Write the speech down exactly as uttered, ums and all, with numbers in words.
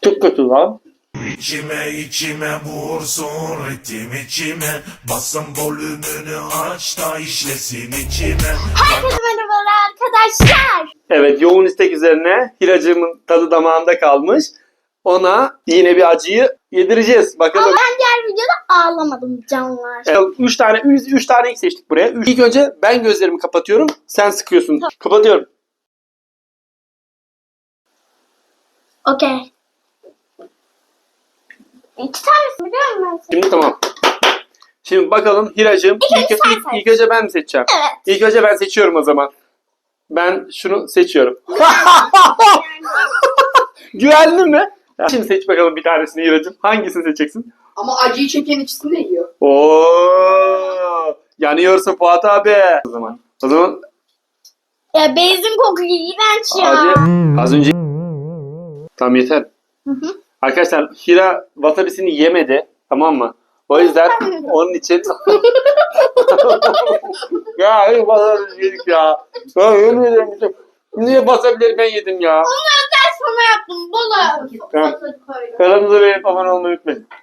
Çok kötü lan. İçime içime vursun ritim içime. Basın volümünü aç da işlesin içime. Herkese merhabalar arkadaşlar. Evet, yoğun istek üzerine Hiracığımın tadı damağında kalmış. Ona yine bir acıyı yedireceğiz. Bakalım. Ama ben diğer videoda ağlamadım canlar. Evet, üç tane üç, üç tane ilk seçtik buraya. Üç. İlk önce ben gözlerimi kapatıyorum. Sen sıkıyorsun. Tamam. Kapatıyorum. Okey. İki tanesi biliyor musun? Şimdi tamam. Şimdi bakalım Hiracığım. İlk önce İlk, sen ilk, seç. ilk önce ben mi seçeceğim? Evet. İlk önce ben seçiyorum o zaman. Ben şunu seçiyorum. Güvenli mi? Şimdi seç bakalım bir tanesini Hiracığım. Hangisini seçeceksin? Ama acıyı çeken ikisini de yiyor. Oo! Yanıyorsun Fuat abi. O zaman. O zaman Ya benzin kokuyor iğrenç ya. acı az önce tamam yeter. Hı hı. Arkadaşlar Hira wasabisini yemedi. Tamam mı? O yüzden onun için ya hayır wasabi yedik ya. Ya yemin ederim bütün. Niye wasabileri ben yedim ya? Onu özel sana yaptım. Bola. Tamam. Kanalımıza beğenip abone olmayı unutmayın.